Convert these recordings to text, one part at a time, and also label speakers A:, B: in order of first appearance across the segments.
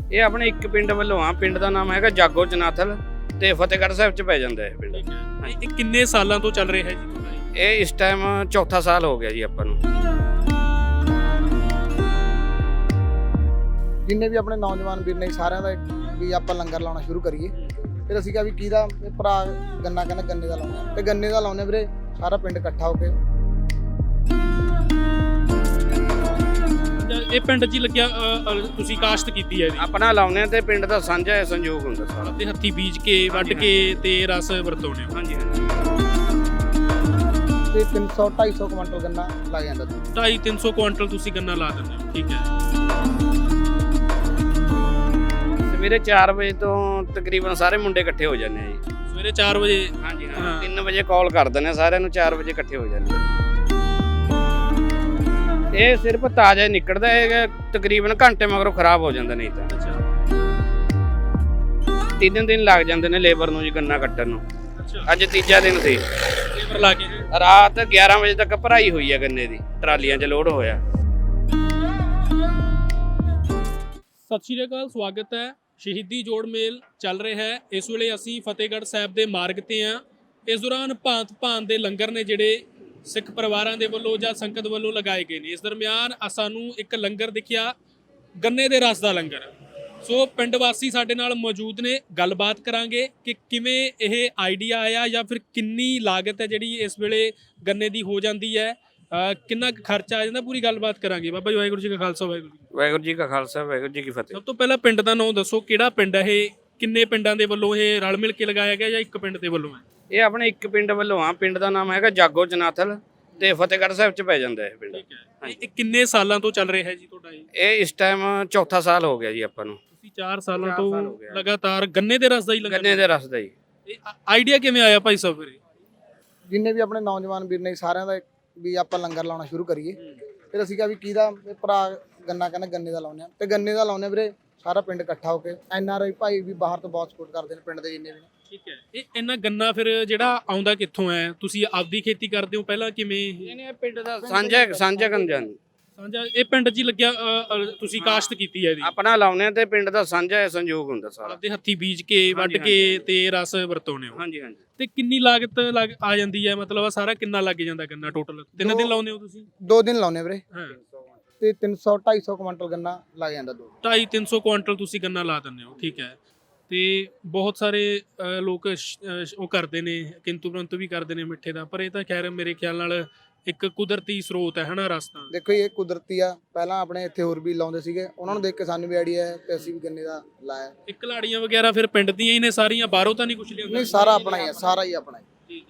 A: ਇਹ ਆਪਣੇ ਇੱਕ ਪਿੰਡ ਵੱਲੋਂ ਆ। ਪਿੰਡ ਦਾ ਨਾਮ ਹੈਗਾ ਜਾਗੋ ਚਨਾਥਲ ਤੇ ਫਤਿਹਗੜ੍ਹ ਸਾਹਿਬ ਚ ਪੈ ਜਾਂਦਾ ਹੈ ਪਿੰਡ।
B: ਇਹ ਕਿੰਨੇ ਸਾਲਾਂ ਤੋਂ ਚੱਲ ਰਿਹਾ ਹੈ ਜੀ?
A: ਇਹ ਇਸ ਟਾਈਮ ਚੌਥਾ ਸਾਲ ਹੋ ਗਿਆ ਜੀ ਆਪਾਂ ਨੂੰ।
C: ਜਿੰਨੇ ਵੀ ਆਪਣੇ ਨੌਜਵਾਨ ਵੀਰ ਨੇ ਸਾਰਿਆਂ ਦਾ ਵੀ ਆਪਾਂ ਲੰਗਰ ਲਾਉਣਾ ਸ਼ੁਰੂ ਕਰੀਏ। ਫਿਰ ਅਸੀਂ ਕਿਹਾ ਵੀ ਕਿਹਦਾ ਭਰਾ ਗੰਨਾ ਕਹਿੰਦਾ ਗੰਨੇ ਦਾ ਲਾਉਣਾ ਤੇ ਗੰਨੇ ਦਾ ਲਾਉਣੇ ਵੀਰੇ, ਸਾਰਾ ਪਿੰਡ ਇਕੱਠਾ ਹੋ ਕੇ।
B: ਇਹ ਪਿੰਡ 'ਚ ਹੀ ਲੱਗਿਆ ਤੁਸੀਂ ਕਾਸ਼ਤ ਕੀਤੀ ਹੈ ਜੀ?
A: ਆਪਣਾ ਲਾਉਣੇ ਤੇ ਪਿੰਡ ਦਾ ਸਾਂਝਾ ਹੈ, ਸੰਯੋਗ ਹੁੰਦਾ ਸਾਰਾ।
B: ਤੇ ਹੱਥੀ ਬੀਜ ਕੇ ਵੱਢ ਕੇ ਤੇ ਰਸ ਵਰਤਾਉਂਦੇ ਹੋ?
A: ਹਾਂਜੀ ਹਾਂਜੀ।
C: ਤੇ 300-250 ਕੁਇੰਟਲ ਗੰਨਾ ਲੱਗ ਜਾਂਦਾ।
B: 250-300 ਕੁਇੰਟਲ ਤੁਸੀਂ ਗੰਨਾ ਲਾ ਦਿੰਦੇ ਹੋ? ਠੀਕ ਹੈ।
A: ਸਵੇਰੇ 4 ਵਜੇ ਤੋਂ ਤਕਰੀਬਨ ਸਾਰੇ ਮੁੰਡੇ ਇਕੱਠੇ ਹੋ ਜਾਂਦੇ ਆ ਜੀ।
B: ਸਵੇਰੇ 4 ਵਜੇ?
A: ਹਾਂਜੀ ਹਾਂ। 3 ਵਜੇ ਕਾਲ ਕਰ ਦਿੰਦੇ ਆ ਸਾਰਿਆਂ ਨੂੰ, 4 ਵਜੇ ਇਕੱਠੇ ਹੋ ਜਾਂਦੇ ਆ। ਇਹ ਸਿਰਫ ਤਾਜ਼ਾ ਹੀ ਨਿਕਲਦਾ ਹੈ, ਤਕਰੀਬਨ ਘੰਟੇ ਮਗਰੋਂ ਖਰਾਬ ਹੋ ਜਾਂਦਾ। ਨਹੀਂ ਤਾਂ 3 ਦਿਨ ਲੱਗ ਜਾਂਦੇ ਨੇ ਲੇਬਰ ਨੂੰ ਜੀ ਗੰਨਾ ਕੱਟਣ ਨੂੰ। ਅੱਜ ਤੀਜਾ ਦਿਨ ਸੀ।
B: ਲੇਬਰ ਲਾ ਕੇ
A: ਰਾਤ 11 ਵਜੇ ਤੱਕ ਭਰਾਈ ਹੋਈ ਹੈ ਗੰਨੇ ਦੀ, ਟਰਾਲੀਆਂ 'ਚ ਲੋਡ ਹੋਇਆ।
B: ਸਤਿ ਸ਼੍ਰੀ ਅਕਾਲ, ਸਵਾਗਤ ਹੈ। ਸ਼ਹੀਦੀ ਜੋੜ ਮੇਲ ਚੱਲ ਰਿਹਾ ਹੈ। ਇਸ ਵੇਲੇ ਅਸੀਂ ਫਤਿਹਗੜ੍ਹ ਸਾਹਿਬ ਦੇ ਮਾਰਗ ਤੇ ਹਾਂ। ਇਸ ਦੌਰਾਨ ਭਾਂਤ ਦੇ ਲੰਗਰ ਨੇ ਜਿਹੜੇ ਸਿੱਖ ਪਰਿਵਾਰਾਂ ਦੇ ਵੱਲੋਂ ਜਾਂ ਸੰਗਤ ਵੱਲੋਂ ਲਗਾਏ ਗਏ ਨੇ। ਇਸ ਦਰਮਿਆਨ ਸਾਨੂੰ ਇੱਕ ਲੰਗਰ ਦਿਖਿਆ, ਗੰਨੇ ਦੇ ਰਸ ਦਾ ਲੰਗਰ। ਸੋ ਪਿੰਡ ਵਾਸੀ ਸਾਡੇ ਨਾਲ ਮੌਜੂਦ ਨੇ, ਗੱਲਬਾਤ ਕਰਾਂਗੇ ਕਿ ਕਿਵੇਂ ਇਹ ਆਈਡੀਆ ਆਇਆ ਜਾਂ ਫਿਰ ਕਿੰਨੀ ਲਾਗਤ ਹੈ ਜਿਹੜੀ ਇਸ ਵੇਲੇ ਗੰਨੇ ਦੀ ਹੋ ਜਾਂਦੀ ਹੈ, ਕਿੰਨਾ ਖਰਚਾ ਆ ਜਾਂਦਾ, ਪੂਰੀ ਗੱਲਬਾਤ ਕਰਾਂਗੇ। ਬਾਬਾ ਜੀ ਵਾਹਿਗੁਰੂ ਜੀ ਕਾ ਖਾਲਸਾ,
A: ਵਾਹਿਗੁਰੂ ਜੀ ਕਾ ਖਾਲਸਾ, ਵਾਹਿਗੁਰੂ ਜੀ ਕੀ ਫਤਿਹ।
B: ਸਭ ਤੋਂ ਪਹਿਲਾਂ ਪਿੰਡ ਦਾ ਨਾਮ ਦੱਸੋ, ਕਿਹੜਾ ਪਿੰਡ ਹੈ ਇਹ? ਕਿੰਨੇ ਪਿੰਡਾਂ ਦੇ ਵੱਲੋਂ ਇਹ ਰਲ ਮਿਲ ਕੇ ਲਗਾਇਆ ਗਿਆ ਜਾਂ ਇੱਕ ਪਿੰਡ ਦੇ ਵੱਲੋਂ ਹੈ?
A: ਇਹ ਆਪਣੇ ਇੱਕ ਪਿੰਡ ਵੱਲੋਂ ਆ। ਪਿੰਡ ਦਾ ਨਾਮ ਹੈਗਾ ਜਾਗੋ ਚਨਾਥਲ ਤੇ ਫਤਿਹਗੜ੍ਹ ਸਾਹਿਬ ਚ ਪੈ ਜਾਂਦਾ ਹੈ ਪਿੰਡ।
B: ਇਹ ਕਿੰਨੇ ਸਾਲਾਂ ਤੋਂ ਚੱਲ ਰਿਹਾ ਹੈ ਜੀ ਤੁਹਾਡਾ ਇਹ?
A: ਇਹ ਇਸ ਟਾਈਮ ਚੌਥਾ ਸਾਲ ਹੋ ਗਿਆ ਜੀ ਆਪਾਂ ਨੂੰ।
B: ਤੁਸੀਂ 4 ਸਾਲਾਂ ਤੋਂ ਲਗਾਤਾਰ ਗੰਨੇ ਦੇ ਰਸ ਦਾ ਹੀ ਲੰਗਰ?
A: ਗੰਨੇ ਦੇ ਰਸ ਦਾ ਹੀ।
B: ਇਹ ਆਈਡੀਆ ਕਿਵੇਂ ਆਇਆ ਭਾਈ ਸਾਹਿਬ ਵੀਰੇ?
C: ਜਿੰਨੇ ਵੀ ਆਪਣੇ ਨੌਜਵਾਨ ਵੀਰ ਨੇ ਸਾਰਿਆਂ ਦਾ ਵੀ ਆਪਾਂ ਲੰਗਰ ਲਾਉਣਾ ਸ਼ੁਰੂ ਕਰੀਏ। ਫਿਰ ਅਸੀਂ ਕਿਹਾ ਵੀ ਕਿਹਦਾ ਭਰਾ ਗੰਨਾ ਕਹਿੰਦਾ ਗੰਨੇ ਦਾ ਲਾਉਣੇ ਤੇ ਗੰਨੇ ਦਾ ਲਾਉਣੇ ਵੀਰੇ, ਸਾਰਾ ਪਿੰਡ ਇਕੱਠਾ ਹੋ ਕੇ। NRI ਭਾਈ ਵੀ ਬਾਹਰ ਤੋਂ ਬਹੁਤ ਸਪੋਰਟ ਕਰਦੇ ਨੇ ਪਿੰਡ ਦੇ ਜਿੰਨੇ ਵੀ ਨੇ।
B: ਠੀਕ ਹੈ। ਇਹ ਇੰਨਾ ਗੰਨਾ ਫਿਰ ਜਿਹੜਾ ਆਉਂਦਾ ਕਿੱਥੋਂ ਹੈ? ਤੁਸੀਂ ਆਪਦੀ ਖੇਤੀ ਕਰਦੇ ਹੋ ਪਹਿਲਾਂ, ਕਿਵੇਂ?
A: ਇਹ ਪਿੰਡ ਦਾ ਸਾਂਝਾ ਗੰਜਾ
B: ਸਾਂਝਾ। ਇਹ ਪਿੰਡ 'ਚ ਹੀ ਲੱਗਿਆ ਤੁਸੀਂ ਕਾਸ਼ਤ ਕੀਤੀ ਹੈ ਜੀ?
A: ਆਪਣਾ ਲਾਉਣੇ ਤੇ ਪਿੰਡ ਦਾ ਸਾਂਝਾ ਹੈ, ਸੰਯੋਗ ਹੁੰਦਾ ਸਾਰਾ।
B: ਆਪਦੇ ਹੱਥੀ ਬੀਜ ਕੇ ਵੱਢ ਕੇ ਤੇ ਰਸ ਵਰਤਾਉਂਦੇ ਹੋ?
A: ਹਾਂਜੀ ਹਾਂਜੀ।
B: ਤੇ ਕਿੰਨੀ ਲਾਗਤ ਆ ਜਾਂਦੀ ਹੈ? ਮਤਲਬ ਸਾਰਾ ਕਿੰਨਾ ਲੱਗ ਜਾਂਦਾ ਗੰਨਾ ਟੋਟਲ? 3 ਦਿਨ ਲਾਉਂਦੇ ਹੋ ਤੁਸੀਂ?
C: 2 ਦਿਨ ਲਾਉਣੇ ਵੀਰੇ
B: ਹਾਂ।
C: ਤੇ 300-250 ਕੁਇੰਟਲ ਗੰਨਾ ਲੱਗ ਜਾਂਦਾ।
B: 250-300 ਕੁਇੰਟਲ ਤੁਸੀਂ ਗੰਨਾ ਲਾ ਦਿੰਦੇ ਹੋ? ਠੀਕ ਹੈ। ਤੇ ਬਹੁਤ ਸਾਰੇ ਲੋਕ ਉਹ ਕਰਦੇ ਨੇ, ਕਿੰਤੂ ਪਰੰਤੂ ਵੀ ਕਰਦੇ ਨੇ ਮਿੱਠੇ ਦਾ, ਪਰ ਇਹ ਤਾਂ ਖੈਰ ਮੇਰੇ ਖਿਆਲ ਨਾਲ ਇੱਕ ਕੁਦਰਤੀ ਸਰੋਤ ਹੈ ਹਨਾ ਰਸਤਾ।
C: ਦੇਖੋ ਇਹ ਕੁਦਰਤੀ ਆ। ਪਹਿਲਾਂ ਆਪਣੇ ਇੱਥੇ ਹੋਰ ਵੀ ਲਾਉਂਦੇ ਸੀਗੇ, ਉਹਨਾਂ ਨੂੰ ਦੇਖ ਕੇ ਸਾਨੂੰ ਵੀ ਆਈਡੀਆ ਹੈ ਤੇ ਅਸੀਂ ਵੀ ਗੰਨੇ ਦਾ ਲਾਇਆ।
B: ਇਹ ਕਲਾੜੀਆਂ ਵਗੈਰਾ ਫਿਰ ਪਿੰਡ ਦੀਆਂ ਹੀ ਨੇ ਸਾਰੀਆਂ, ਬਾਹਰੋਂ ਤਾਂ ਨਹੀਂ ਕੁਝ ਲਿਆਉਂਦੇ?
C: ਨਹੀਂ, ਸਾਰਾ ਆਪਣਾ ਹੀ ਆ, ਸਾਰਾ ਹੀ ਆਪਣਾ ਹੀ।
B: ਠੀਕ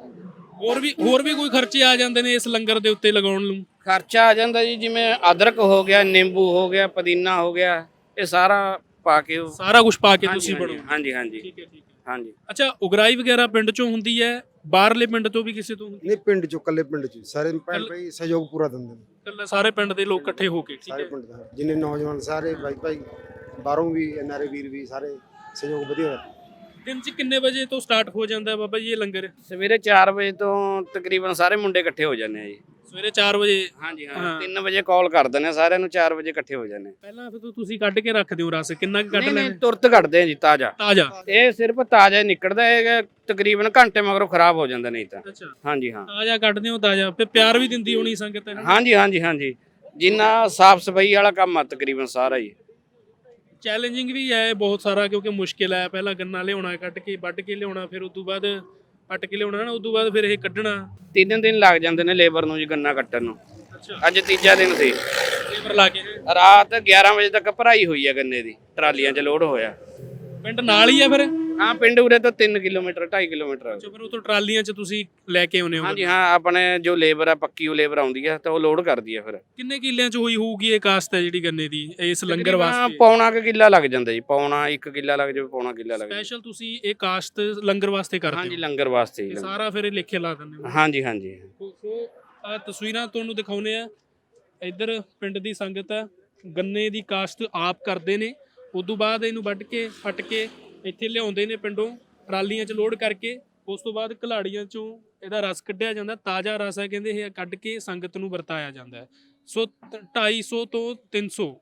B: ਹੈ। ਹੋਰ ਵੀ ਕੋਈ ਖਰਚੇ ਆ ਜਾਂਦੇ ਨੇ ਇਸ ਲੰਗਰ ਦੇ ਉੱਤੇ ਲਗਾਉਣ ਨੂੰ?
A: ਖਰਚਾ ਆ ਜਾਂਦਾ ਜੀ, ਜਿਵੇਂ ਅਦਰਕ ਹੋ ਗਿਆ, ਨਿੰਬੂ ਹੋ ਗਿਆ, ਪੁਦੀਨਾ ਹੋ ਗਿਆ, ਇਹ ਸਾਰਾ ਪਾ ਕੇ
B: ਸਾਰਾ ਕੁਝ ਪਾ ਕੇ ਤੁਸੀਂ ਬਣਾਓ?
A: ਹਾਂਜੀ ਹਾਂਜੀ।
B: ਠੀਕ ਹੈ, ਠੀਕ ਹੈ।
A: ਹਾਂਜੀ।
B: ਅੱਛਾ, ਉਗਰਾਈ ਵਗੈਰਾ ਪਿੰਡ ਚੋਂ ਹੁੰਦੀ ਹੈ? ਬਾਹਰਲੇ ਪਿੰਡ ਤੋਂ ਵੀ ਕਿਸੇ ਤੋਂ ਹੁੰਦੀ?
D: ਨਹੀਂ, ਪਿੰਡ ਚੋਂ, ਕੱਲੇ ਪਿੰਡ ਚ ਸਾਰੇ ਭੈਣ ਭਾਈ ਸਹਿਯੋਗ ਪੂਰਾ ਦਿੰਦੇ ਨੇ।
B: ਕੱਲੇ ਸਾਰੇ ਪਿੰਡ ਦੇ ਲੋਕ ਇਕੱਠੇ ਹੋ ਕੇ? ਠੀਕ
D: ਸਾਰੇ
B: ਹੈ।
D: ਪਿੰਡ ਦਾ ਜਿੰਨੇ ਨੌਜਵਾਨ ਸਾਰੇ ਭਾਈ ਬਾਹਰੋਂ ਵੀ NRI ਵੀਰ ਵੀ ਸਾਰੇ ਸਹਿਯੋਗ ਵਧੀਆ।
B: ਦਿਨ 'ਚ ਕਿੰਨੇ ਵਜੇ ਤੋਂ ਸਟਾਰਟ ਹੋ ਜਾਂਦਾ ਬਾਬਾ ਜੀ ਇਹ ਲੰਗਰ?
A: ਸਵੇਰੇ 4 ਵਜੇ ਤੋਂ ਤਕਰੀਬਨ ਸਾਰੇ ਮੁੰਡੇ ਇਕੱਠੇ ਹੋ ਜਾਂਦੇ ਆ ਜੀ।
B: ਸਵੇਰੇ 4 ਵਜੇ?
A: ਹਾਂਜੀ ਹਾਂ। 3 ਵਜੇ ਕਾਲ ਕਰ ਦਿੰਦੇ ਆ ਸਾਰਿਆਂ ਨੂੰ, 4 ਵਜੇ ਇਕੱਠੇ ਹੋ ਜਾਂਦੇ।
B: ਪਹਿਲਾਂ ਫਿਰ ਤੁਸੀਂ ਕੱਢ ਕੇ ਰੱਖਦੇ ਹੋ ਰਸ? ਕਿੰਨਾ ਕੁ ਕੱਢ
A: ਨਹੀਂ
B: ਲੈਂਦੇ?
A: ਤੁਰਤ ਕੱਢਦੇ ਆ ਜੀ, ਤਾਜ਼ਾ। ਇਹ ਸਿਰਫ ਤਾਜ਼ਾ ਹੀ ਨਿਕਲਦਾ ਹੈ, ਤਕਰੀਬਨ ਘੰਟੇ ਮਗਰੋਂ ਖਰਾਬ ਹੋ ਜਾਂਦਾ। ਨਹੀਂ ਤਾਂ
B: ਅੱਛਾ।
A: ਹਾਂਜੀ ਹਾਂ।
B: ਤਾਜ਼ਾ ਕੱਢਦੇ ਹੋ? ਤਾਜ਼ਾ ਫਿਰ ਪਿਆਰ ਵੀ ਦਿੰਦੀ ਹੋਣੀ ਸੰਗਤ ਹੈ?
A: ਹਾਂਜੀ ਹਾਂਜੀ ਹਾਂਜੀ। ਜਿੰਨਾ ਸਾਫ ਸਫਾਈ ਵਾਲਾ ਕੰਮ ਆ ਤਕਰੀਬਨ ਸਾਰਾ ਹੀ।
B: ਚੈਲੰਜਿੰਗ ਵੀ ਹੈ ਬਹੁਤ ਸਾਰਾ, ਕਿਉਂਕਿ ਮੁਸ਼ਕਿਲ ਹੈ। ਪਹਿਲਾਂ ਗੰਨਾ ਲਿਆਉਣਾ, ਕੱਢ ਕੇ ਵੱਢ ਕੇ ਲਿਆਉਣਾ, ਫਿਰ ਉਦੋਂ ਬਾਅਦ ਪੱਟ ਕੇ ਲਿਆਉਣਾ ਨਾ, ਉਦੋਂ ਬਾਅਦ ਫਿਰ ਇਹ ਕੱਢਣਾ।
A: 3 ਦਿਨ ਲੱਗ ਜਾਂਦੇ ਨੇ ਲੇਬਰ ਨੂੰ ਜੀ ਗੰਨਾ ਕੱਟਣ ਨੂੰ। ਅੱਜ ਤੀਜਾ ਦਿਨ ਸੀ।
B: ਲੇਬਰ ਲਾ ਕੇ
A: ਰਾਤ 11 ਵਜੇ ਤੱਕ ਭਰਾਈ ਹੋਈ ਹੈ ਗੰਨੇ ਦੀ, ਟਰਾਲੀਆਂ 'ਚ ਲੋਡ ਹੋਇਆ।
B: ਪਿੰਡ ਨਾਲ ਹੀ ਆ ਫਿਰ?
A: ਹਾਂ, ਪਿੰਡ ਉਰੇ ਤੋਂ 3 ਕਿਲੋਮੀਟਰ 2.5 ਕਿਲੋਮੀਟਰ।
B: ਫਿਰ ਉਥੋਂ ਟਰਾਲੀਆਂ 'ਚ ਤੁਸੀਂ ਲੈ ਕੇ ਆਉਨੇ ਹੋ?
A: ਹਾਂਜੀ ਹਾਂ। ਆਪਣੇ ਜੋ ਲੇਬਰ ਆ, ਪੱਕੀ ਉਹ ਲੇਬਰ ਆਉਂਦੀ ਆ ਤਾਂ ਉਹ ਲੋਡ ਕਰਦੀ ਆ। ਫਿਰ
B: ਕਿੰਨੇ ਕਿੱਲਿਆਂ 'ਚ ਹੋਈ ਹੋਊਗੀ ਇਹ ਕਾਸ਼ਤ ਹੈ ਜਿਹੜੀ ਗੰਨੇ ਦੀ ਇਸ ਲੰਗਰ ਵਾਸਤੇ?
A: ਪੌਣਾ ਕੁ ਕਿੱਲਾ ਲੱਗ ਜਾਂਦਾ ਜੀ। ਪੌਣਾ 1 ਕਿੱਲਾ ਲੱਗ ਜਾਵੇ, ਪੌਣਾ ਕਿੱਲਾ ਲੱਗ ਜਾਵੇ।
B: ਸਪੈਸ਼ਲ ਤੁਸੀਂ ਇਹ ਕਾਸ਼ਤ ਲੰਗਰ ਵਾਸਤੇ ਕਰਦੇ ਹੋ?
A: ਹਾਂਜੀ, ਲੰਗਰ ਵਾਸਤੇ ਹੀ।
B: ਸਾਰਾ ਫਿਰ ਇਹ ਲਿਖੇ ਲਾ ਦਿੰਦੇ ਹੋ?
A: ਹਾਂਜੀ ਹਾਂਜੀ।
B: ਸੋ ਆ ਤਸਵੀਰਾਂ ਤੁਹਾਨੂੰ ਦਿਖਾਉਨੇ ਆ। ਇੱਧਰ ਪਿੰਡ ਦੀ ਸੰਗਤ ਆ, ਗੰਨੇ ਦੀ ਕਾਸ਼ਤ ਆਪ ਕਰਦੇ ਨੇ। ਉਦੋਂ ਬਾਅਦ ਇਹਨੂੰ ਵੱਢ ਕੇ ਫੱਟ ਕੇ ਇੱਥੇ ਲਿਆਉਂਦੇ ਨੇ ਪਿੰਡੋਂ, ਟਰਾਲੀਆਂ 'ਚ ਲੋਡ ਕਰਕੇ। ਉਸ ਤੋਂ ਬਾਅਦ ਘਲਾੜੀਆਂ 'ਚੋਂ ਇਹਦਾ ਰਸ ਕੱਢਿਆ ਜਾਂਦਾ। ਤਾਜ਼ਾ ਰਸ ਹੈ ਕਹਿੰਦੇ, ਇਹ ਕੱਢ ਕੇ ਸੰਗਤ ਨੂੰ ਵਰਤਾਇਆ ਜਾਂਦਾ ਹੈ। ਸੋ 250 ਤੋਂ 300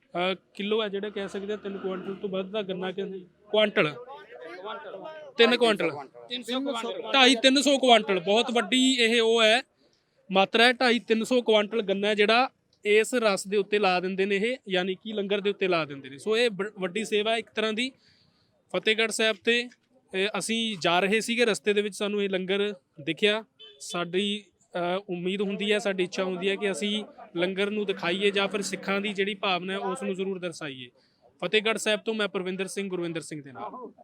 B: ਕਿਲੋ ਹੈ ਜਿਹੜਾ ਕਹਿ ਸਕਦੇ ਆ 3 ਕੁਆਂਟਲ ਤੋਂ ਵੱਧ ਦਾ ਗੰਨਾ ਕਹਿੰਦੇ ਕੁਆਂਟਲ 3 ਕੁਆਂਟਲ
A: 300 ਕੁਆਂਟਲ
B: 250-300 ਕੁਆਂਟਲ ਬਹੁਤ ਵੱਡੀ ਇਹ ਉਹ ਹੈ ਮਾਤਰਾ ਹੈ। 250-300 ਕੁਆਂਟਲ ਗੰਨਾ ਜਿਹੜਾ ਇਸ ਰਸ ਦੇ ਉੱਤੇ ਲਾ ਦਿੰਦੇ ਨੇ ਇਹ, ਯਾਨੀ ਕਿ ਲੰਗਰ ਦੇ ਉੱਤੇ ਲਾ ਦਿੰਦੇ ਨੇ। ਸੋ ਇਹ ਵੱਡੀ ਸੇਵਾ ਹੈ ਇੱਕ ਤਰ੍ਹਾਂ ਦੀ। ਫਤਿਹਗੜ੍ਹ ਸਾਹਿਬ ਤੇ ਅਸੀਂ ਜਾ ਰਹੇ ਸੀਗੇ, ਰਸਤੇ ਦੇ ਵਿੱਚ ਸਾਨੂੰ ਇਹ ਲੰਗਰ ਦਿਖਿਆ। ਸਾਡੀ ਉਮੀਦ ਹੁੰਦੀ ਹੈ, ਸਾਡੀ ਇੱਛਾ ਹੁੰਦੀ ਹੈ ਕਿ ਅਸੀਂ ਲੰਗਰ ਨੂੰ ਦਿਖਾਈਏ ਜਾਂ ਫਿਰ ਸਿੱਖਾਂ ਦੀ ਜਿਹੜੀ ਭਾਵਨਾ ਹੈ ਉਸ ਨੂੰ ਜ਼ਰੂਰ ਦਰਸਾਈਏ। ਫਤਿਹਗੜ੍ਹ ਸਾਹਿਬ ਤੋਂ ਮੈਂ ਪਰਵਿੰਦਰ ਸਿੰਘ ਗੁਰਵਿੰਦਰ ਸਿੰਘ ਦੇ ਨਾਲ।